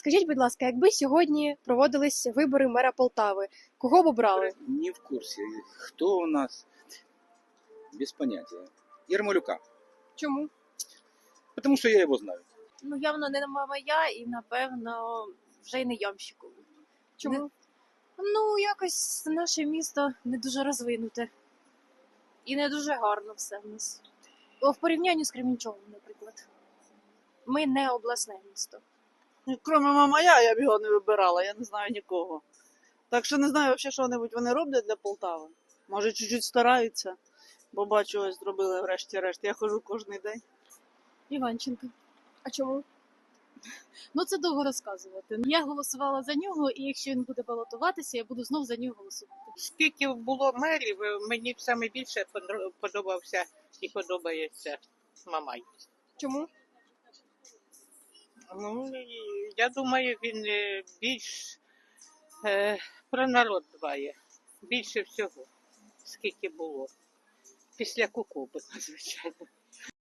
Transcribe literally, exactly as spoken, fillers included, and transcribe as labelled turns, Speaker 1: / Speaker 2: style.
Speaker 1: Скажіть, будь ласка, якби сьогодні проводились вибори мера Полтави, кого б обрали?
Speaker 2: Не в курсе. Кто у нас? Без понятия. Ермолюка.
Speaker 1: Чому?
Speaker 2: Потому что я его знаю.
Speaker 3: Ну, явно не моя і, напевно, вже й не Ямщикову.
Speaker 1: Чому?
Speaker 3: Ну, якось наше місто не дуже розвинуте. І не дуже гарно все в нас. О, в порівнянні з Кременчугом, наприклад. Ми не обласне місто.
Speaker 4: Ну, Кроме Мамая, я б його не вибирала, я не знаю нікого. Так що не знаю, взагалі, що небудь вони роблять для Полтави. Може, чуть-чуть стараються, бо бачу, ось зробили врешті-решт. Я ходжу кожен день.
Speaker 5: Іванченко.
Speaker 1: А чому?
Speaker 5: Ну це довго розказувати. Я голосувала за нього, і якщо він буде балотуватися, я буду знов за нього голосувати.
Speaker 6: Скільки було мерів, мені саме більше подро- подобався і подобається Мамай.
Speaker 1: Чому?
Speaker 6: Ну, і я думаю, він е, більш е, про народ дбає. Більше всього, скільки було. Після Кукуби, звичайно.